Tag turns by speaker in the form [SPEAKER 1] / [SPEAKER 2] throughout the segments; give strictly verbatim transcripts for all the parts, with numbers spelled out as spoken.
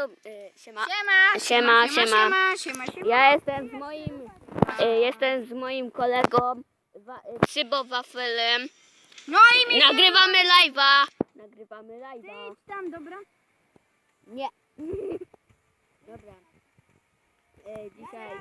[SPEAKER 1] dobry. E, siema.
[SPEAKER 2] Siema,
[SPEAKER 1] Siema, siema.
[SPEAKER 2] siema, siema, siema.
[SPEAKER 1] Ja jestem z moim, e, jestem z moim kolegą wa, e, Szybo Wafelem.
[SPEAKER 2] No i mi
[SPEAKER 1] Nagrywamy live'a. Nagrywamy live'a.
[SPEAKER 2] Idź tam, dobra?
[SPEAKER 1] Nie. Dobra. E, dzisiaj.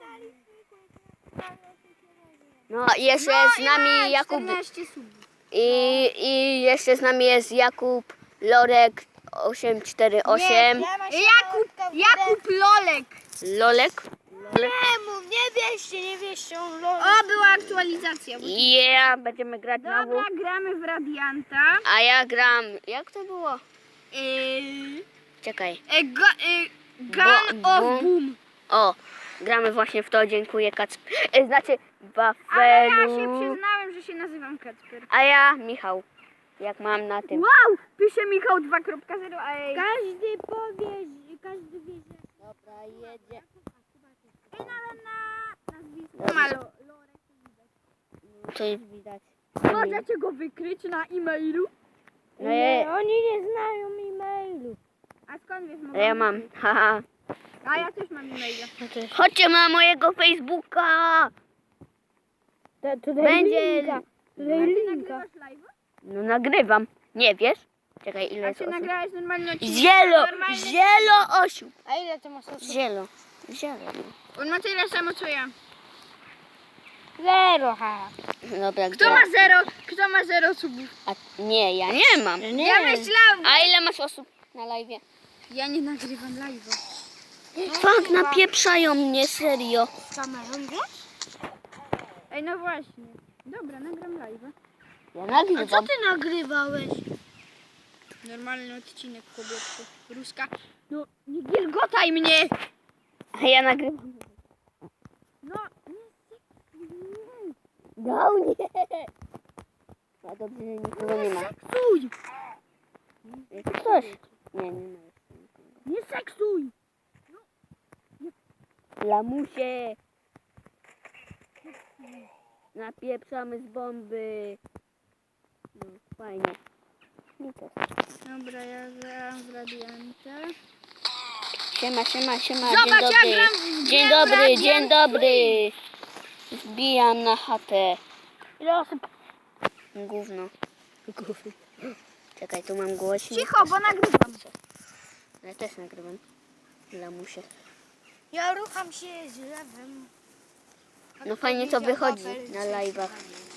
[SPEAKER 1] No i jeszcze
[SPEAKER 2] No
[SPEAKER 1] jest z
[SPEAKER 2] i
[SPEAKER 1] nami
[SPEAKER 2] ma
[SPEAKER 1] Jakub.
[SPEAKER 2] czternaście subów.
[SPEAKER 1] I, I jeszcze z nami jest Jakub Lorek osiem cztery osiem.
[SPEAKER 2] Jakub, Jakub Lolek.
[SPEAKER 1] Lolek? Lolek.
[SPEAKER 3] Nie mów, nie wieście, nie wieście, on lo...
[SPEAKER 2] O, była aktualizacja.
[SPEAKER 1] Yeah, będziemy grać znowu.
[SPEAKER 2] Dobra, gramy w Radianta.
[SPEAKER 1] A ja gram. Jak to było?
[SPEAKER 2] Yy,
[SPEAKER 1] Czekaj.
[SPEAKER 2] e, go, e, Gun
[SPEAKER 1] Bo-
[SPEAKER 2] of
[SPEAKER 1] bo-
[SPEAKER 2] Boom.
[SPEAKER 1] O, gramy właśnie w to. Dziękuję Kacp. E, Znaczy
[SPEAKER 2] Ale ja się
[SPEAKER 1] Wafelu.
[SPEAKER 2] przyznałem, że się nazywam Kacper.
[SPEAKER 1] A ja Michał. Jak mam na tym.
[SPEAKER 2] Wow, pisze Michał dwa kropka zero, a ej.
[SPEAKER 3] Każdy powie, że- każdy wie, że...
[SPEAKER 1] Dobra, jedzie.
[SPEAKER 2] Ej, nawet na nazwisko
[SPEAKER 1] Dobrze.
[SPEAKER 2] ma Lo- Lorek.
[SPEAKER 1] To jest widać.
[SPEAKER 2] Możecie go wykryć na e-mailu?
[SPEAKER 1] No
[SPEAKER 3] Nie,
[SPEAKER 1] ja,
[SPEAKER 3] oni nie znają e-mailu.
[SPEAKER 2] A skąd wiesz?
[SPEAKER 1] no ja mam. Haha.
[SPEAKER 2] A ja też mam e-maila.
[SPEAKER 1] Chodźcie na mojego Facebooka.
[SPEAKER 3] To, to daj
[SPEAKER 1] Będzie.
[SPEAKER 3] linka. To
[SPEAKER 2] A
[SPEAKER 3] daj
[SPEAKER 2] ty
[SPEAKER 3] linka.
[SPEAKER 2] nagrywasz live?
[SPEAKER 1] No nagrywam. Nie wiesz? Czekaj, ile
[SPEAKER 2] A
[SPEAKER 1] jest
[SPEAKER 2] ty
[SPEAKER 1] osób?
[SPEAKER 2] nagrałeś normalny odcinek?
[SPEAKER 1] Zielo!
[SPEAKER 2] Normalny-
[SPEAKER 1] Zielo osób!
[SPEAKER 3] A ile to masz osób?
[SPEAKER 1] Zielo. Zielo.
[SPEAKER 2] On ma tyle samo co ja.
[SPEAKER 3] Zero, ha.
[SPEAKER 1] Dobra,
[SPEAKER 2] Kto
[SPEAKER 1] gra.
[SPEAKER 2] ma zero? Kto ma zero subów?
[SPEAKER 1] A, nie, ja nie mam.
[SPEAKER 3] Nie.
[SPEAKER 2] Ja myślałam.
[SPEAKER 1] A ile masz osób na live?
[SPEAKER 2] Ja nie nagrywam live'a.
[SPEAKER 1] Fuck, napieprzają mnie, serio.
[SPEAKER 3] Z kamerą, wiesz?
[SPEAKER 2] Ej, no właśnie. Dobra, nagram live'a.
[SPEAKER 1] Ja
[SPEAKER 3] A co
[SPEAKER 1] nagrywam.
[SPEAKER 3] ty nagrywałeś?
[SPEAKER 2] Normalny odcinek, kobietko. Ruska. No, nie gilgotaj mnie!
[SPEAKER 1] A ja nagrywam.
[SPEAKER 2] No,
[SPEAKER 1] No nie. A dobrze, że nikogo nie ma.
[SPEAKER 2] seksuj!
[SPEAKER 1] Jest ktoś? Nie, nie ma.
[SPEAKER 2] Nie seksuj!
[SPEAKER 1] Lamusie. Napieprzamy z bomby. No, fajnie. I to.
[SPEAKER 2] Dobra, ja gram w Radianta.
[SPEAKER 1] Siema, siema, siema,
[SPEAKER 2] Zobacz,
[SPEAKER 1] dzień
[SPEAKER 2] ja
[SPEAKER 1] dobry.
[SPEAKER 2] gram w
[SPEAKER 1] Dzień
[SPEAKER 2] grę
[SPEAKER 1] dobry,
[SPEAKER 2] Radiant
[SPEAKER 1] dzień dobry. Wbijam na chatę.
[SPEAKER 3] Ile osób?
[SPEAKER 1] Gówno. Czekaj, tu mam głośnik.
[SPEAKER 2] Cicho, bo nagrywam.
[SPEAKER 1] Ja też nagrywam. Lamusie.
[SPEAKER 3] Ja rucham się z lewym.
[SPEAKER 1] No fajnie to wychodzi na live'ach.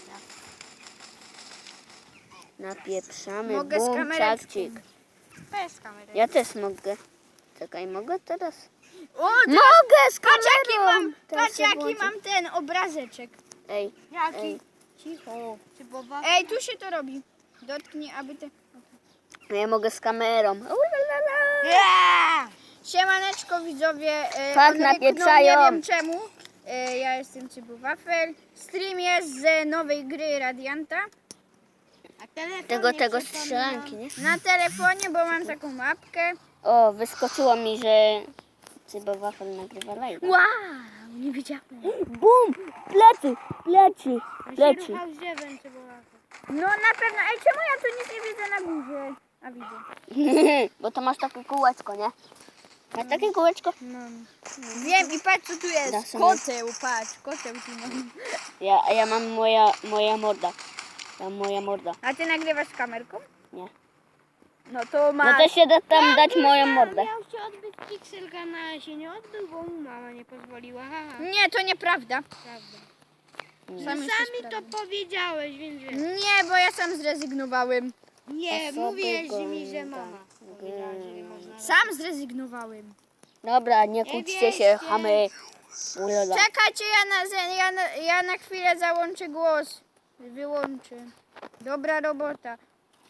[SPEAKER 1] Napieprzamy,
[SPEAKER 2] Mogę z
[SPEAKER 1] bum,
[SPEAKER 2] kamereczką.
[SPEAKER 1] czakcik.
[SPEAKER 3] Bez kamery.
[SPEAKER 1] Ja też mogę. Czekaj, mogę teraz?
[SPEAKER 2] O,
[SPEAKER 1] Mogę z
[SPEAKER 2] patrz jaki
[SPEAKER 1] kamerą!
[SPEAKER 2] mam,
[SPEAKER 1] Teraz
[SPEAKER 2] patrz
[SPEAKER 1] się
[SPEAKER 2] jaki
[SPEAKER 1] włączę.
[SPEAKER 2] mam ten obrazeczek.
[SPEAKER 1] Ej,
[SPEAKER 3] Jaki?
[SPEAKER 1] ej.
[SPEAKER 3] Cicho. Czy boba?
[SPEAKER 2] Ej, tu się to robi. Dotknij, aby te...
[SPEAKER 1] No ja mogę z kamerą. Ulalala.
[SPEAKER 3] Yeah!
[SPEAKER 2] Siemaneczko widzowie. E,
[SPEAKER 1] Tak,
[SPEAKER 2] on
[SPEAKER 1] napieprzają.
[SPEAKER 2] ryknął, Nie wiem czemu. E, ja jestem Cybu Wafel. Stream jest z nowej gry Radianta.
[SPEAKER 3] A telefon
[SPEAKER 1] Tego,
[SPEAKER 3] nie
[SPEAKER 1] tego
[SPEAKER 3] przypomina.
[SPEAKER 1] strzelanki, nie?
[SPEAKER 2] Na telefonie, bo mam taką mapkę.
[SPEAKER 1] O, wyskoczyło mi, że Cybo Wafel nagrywa live.
[SPEAKER 2] Wow, nie wiedziałem.
[SPEAKER 1] Bum! Plecy! Plecy!
[SPEAKER 3] On się
[SPEAKER 1] Plecy!
[SPEAKER 3] ruchał z drzewem, czy boba?
[SPEAKER 2] No na pewno. Ej, czemu ja tu nic nie widzę na górze? A widzę.
[SPEAKER 1] Bo to masz takie kółeczko, nie? Masz takie kółeczko?
[SPEAKER 2] Mam. Wiem i patrz co tu
[SPEAKER 1] Da
[SPEAKER 2] jest.
[SPEAKER 1] sobie.
[SPEAKER 2] Koteł, patrz, koteł tu mam.
[SPEAKER 1] Ja, a ja mam moja, moja morda. Tam moja morda.
[SPEAKER 2] A ty nagrywasz z kamerką?
[SPEAKER 1] Nie.
[SPEAKER 2] No to
[SPEAKER 1] No
[SPEAKER 2] masz.
[SPEAKER 1] to się da tam dać moją mordę.
[SPEAKER 3] Miał się odbyć pikselka, na się nie odbył, bo mu mama nie pozwoliła. Haha.
[SPEAKER 2] Nie, to nieprawda.
[SPEAKER 3] Prawda.
[SPEAKER 1] Nie.
[SPEAKER 2] Sam jesteś
[SPEAKER 3] Sami to
[SPEAKER 2] prawda.
[SPEAKER 3] powiedziałeś, więc wiesz.
[SPEAKER 2] Nie, bo ja sam zrezygnowałem.
[SPEAKER 3] Nie,
[SPEAKER 1] Osoby
[SPEAKER 3] mówiłeś mi, że
[SPEAKER 1] go-
[SPEAKER 3] mama powiedziała, że nie można.
[SPEAKER 2] Sam zrezygnowałem.
[SPEAKER 1] Dobra, nie kłóćcie się,
[SPEAKER 3] wierzcie.
[SPEAKER 1] chamy. Ulala.
[SPEAKER 2] Czekajcie, ja na, ja, na, ja na chwilę załączę głos. Wyłączę. Dobra robota.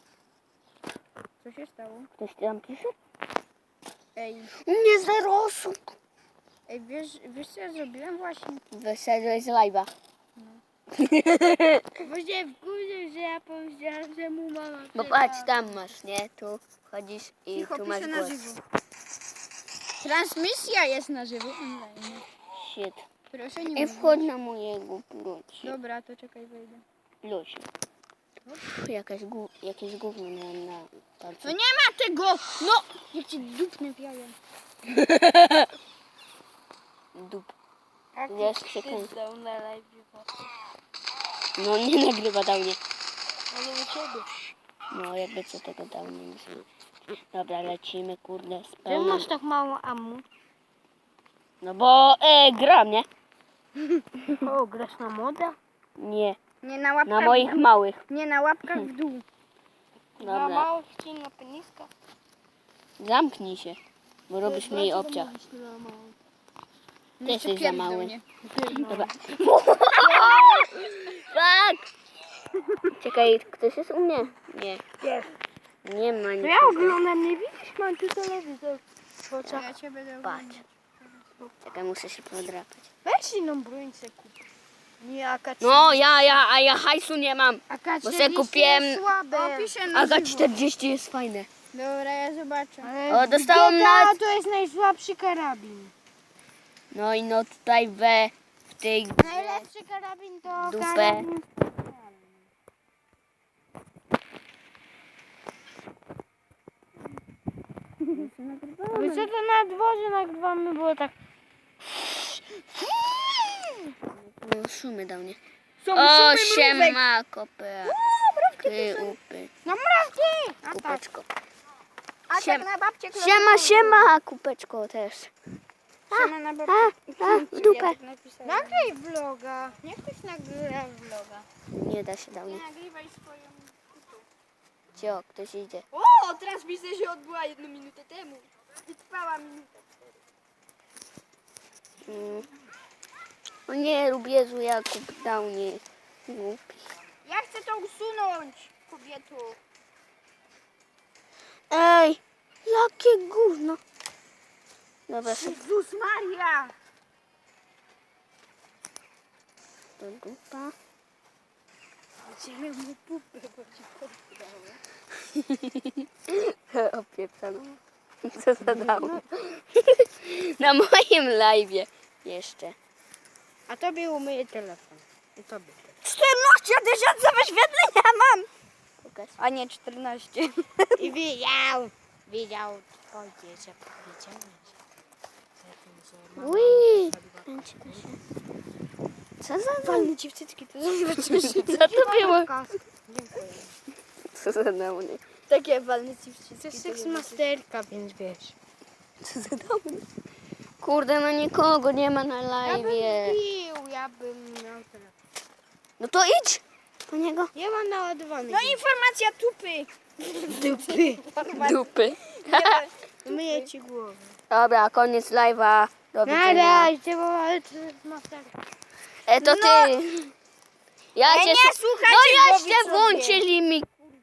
[SPEAKER 2] Co się stało?
[SPEAKER 1] Ktoś tam pisze?
[SPEAKER 2] Ej,
[SPEAKER 1] Nie, zero osób.
[SPEAKER 2] ej wiesz, wiesz co ja zrobiłem właśnie?
[SPEAKER 1] Wyszedłeś z live'a.
[SPEAKER 3] Bo się wkurzy, że ja powiedziałam, że mu mama
[SPEAKER 1] Bo
[SPEAKER 3] powiedziała.
[SPEAKER 1] patrz, tam masz, nie? Tu wchodzisz i
[SPEAKER 2] Cicho,
[SPEAKER 1] tu masz
[SPEAKER 2] piszę na
[SPEAKER 1] głos.
[SPEAKER 2] żywo. Transmisja jest na żywo online.
[SPEAKER 1] Shit.
[SPEAKER 2] Proszę nie
[SPEAKER 1] I
[SPEAKER 2] mówić.
[SPEAKER 1] wchodź na mojego plusi.
[SPEAKER 2] Dobra, to czekaj, wejdę.
[SPEAKER 1] Plusi. Pff, Jakaś gó- jakieś gówno miałem na palcu.
[SPEAKER 2] No nie ma tego! No! Jak ci dupnę w jaja.
[SPEAKER 1] Dup.
[SPEAKER 3] Jak
[SPEAKER 1] Jest
[SPEAKER 3] ty
[SPEAKER 1] sekund.
[SPEAKER 3] zdał na live.
[SPEAKER 1] No nie nagrywa dał mnie.
[SPEAKER 3] Ale u ciebie.
[SPEAKER 1] No jakby co tego dał mnie. Dobra, lecimy, kurde, z
[SPEAKER 3] Czemu
[SPEAKER 1] pełną.
[SPEAKER 3] masz tak mało ammu?
[SPEAKER 1] No bo e, gram, nie?
[SPEAKER 3] O, grasz na moda?
[SPEAKER 1] Nie,
[SPEAKER 2] Nie na łapkach
[SPEAKER 1] na moich
[SPEAKER 2] w dół.
[SPEAKER 1] małych.
[SPEAKER 2] Nie na łapkach w dół.
[SPEAKER 3] Na
[SPEAKER 1] Dobra,
[SPEAKER 3] małych ci na peniska?
[SPEAKER 1] zamknij się, bo robisz mi obciach. Ty jesteś za mały.
[SPEAKER 2] Nie.
[SPEAKER 1] Dobra. Tak! Czekaj, ktoś jest u mnie? Nie.
[SPEAKER 3] Jest.
[SPEAKER 1] Nie ma
[SPEAKER 3] To
[SPEAKER 1] nic.
[SPEAKER 3] ja oglądam, nie widzisz? Mam tu telewizor w oczach.
[SPEAKER 2] Ja cię będę
[SPEAKER 1] Patrz.
[SPEAKER 2] oglądać.
[SPEAKER 1] Czekaj, muszę się podrapać.
[SPEAKER 3] Weź inną broń se kup. Nie, A K czterdzieści.
[SPEAKER 1] No ja, ja, a ja hajsu nie mam.
[SPEAKER 3] A K
[SPEAKER 1] bo se
[SPEAKER 3] czterdzieści
[SPEAKER 1] kupiłem-
[SPEAKER 3] jest słabe.
[SPEAKER 2] Opiszę na
[SPEAKER 1] A za
[SPEAKER 2] żywo.
[SPEAKER 1] czterdzieści jest fajne.
[SPEAKER 2] Dobra, ja zobaczę.
[SPEAKER 3] Ale
[SPEAKER 1] O, dostałam
[SPEAKER 3] G T A
[SPEAKER 1] nawet-
[SPEAKER 3] to jest najsłabszy karabin.
[SPEAKER 1] No i no tutaj we, w tej grze.
[SPEAKER 3] Najlepszy karabin to
[SPEAKER 1] Dupę.
[SPEAKER 3] karabin. My co to na dworze nagrywamy, było tak...
[SPEAKER 1] No, szumy dał nie.
[SPEAKER 2] Są
[SPEAKER 1] O,
[SPEAKER 2] szumy
[SPEAKER 1] siema, kopę. Ty upy,
[SPEAKER 3] No mrówki! A tak.
[SPEAKER 1] kupeczko.
[SPEAKER 2] A tak
[SPEAKER 1] Siem-
[SPEAKER 2] na babcie klocka.
[SPEAKER 1] Siema, siema, kupeczko też.
[SPEAKER 2] Siema na babcie.
[SPEAKER 1] A, a, w dupę.
[SPEAKER 2] Ja tak napisałem.
[SPEAKER 3] Nagraj vloga. Niech ktoś nagrywa vloga.
[SPEAKER 1] Nie da się dał nie.
[SPEAKER 2] Nagrywaj swoją...
[SPEAKER 1] Cio, ktoś idzie.
[SPEAKER 2] O, transmisja się odbyła jedną minutę temu. I trwała minutę.
[SPEAKER 1] Mm. O nie, rób Jezu, Jakub dał nie. Głupi.
[SPEAKER 2] Ja chcę to usunąć, kobieto.
[SPEAKER 1] Ej, jakie gówno. Dobra, szybko
[SPEAKER 2] Jezus Maria.
[SPEAKER 1] do dupa.
[SPEAKER 2] Będziemy mu pupę, bo ci
[SPEAKER 1] Opieprzano. Co za dał? Na moim live'ie jeszcze.
[SPEAKER 3] A tobie umyję telefon. I tobie.
[SPEAKER 2] czternaście tysięcy wyświetlenia mam.
[SPEAKER 1] Pokaż.
[SPEAKER 2] A nie czternaście.
[SPEAKER 3] I widział. Widział. Ojciec, jak powiedziałeś.
[SPEAKER 1] Ui, kręci to się. Co za dał?
[SPEAKER 2] Walny ci w cycki, to zobaczysz.
[SPEAKER 1] Co to było?
[SPEAKER 3] Dziękuję.
[SPEAKER 1] Co za dał nie?
[SPEAKER 2] Takie walny ci w cycki.
[SPEAKER 3] To jest seksmasterka, więc wiesz.
[SPEAKER 1] Co za dał nie? Kurde, no nikogo nie ma na
[SPEAKER 3] Ja bym
[SPEAKER 1] live'ie.
[SPEAKER 3] pił, ja bym miał telefon.
[SPEAKER 1] No to idź po niego.
[SPEAKER 3] Ja mam naładowany.
[SPEAKER 2] No informacja tupy.
[SPEAKER 3] dupy.
[SPEAKER 1] Dupy.
[SPEAKER 3] Myję ci głowę.
[SPEAKER 1] Dobra, koniec live'a. Do
[SPEAKER 3] Na
[SPEAKER 1] widzenia.
[SPEAKER 3] razie, bo ale to jest masterka.
[SPEAKER 1] E, to ty. Ja
[SPEAKER 2] Ale
[SPEAKER 1] cię...
[SPEAKER 2] nie
[SPEAKER 1] su-
[SPEAKER 2] słuchajcie
[SPEAKER 1] No
[SPEAKER 2] go,
[SPEAKER 1] jeszcze
[SPEAKER 2] widzowie.
[SPEAKER 1] włączyli mi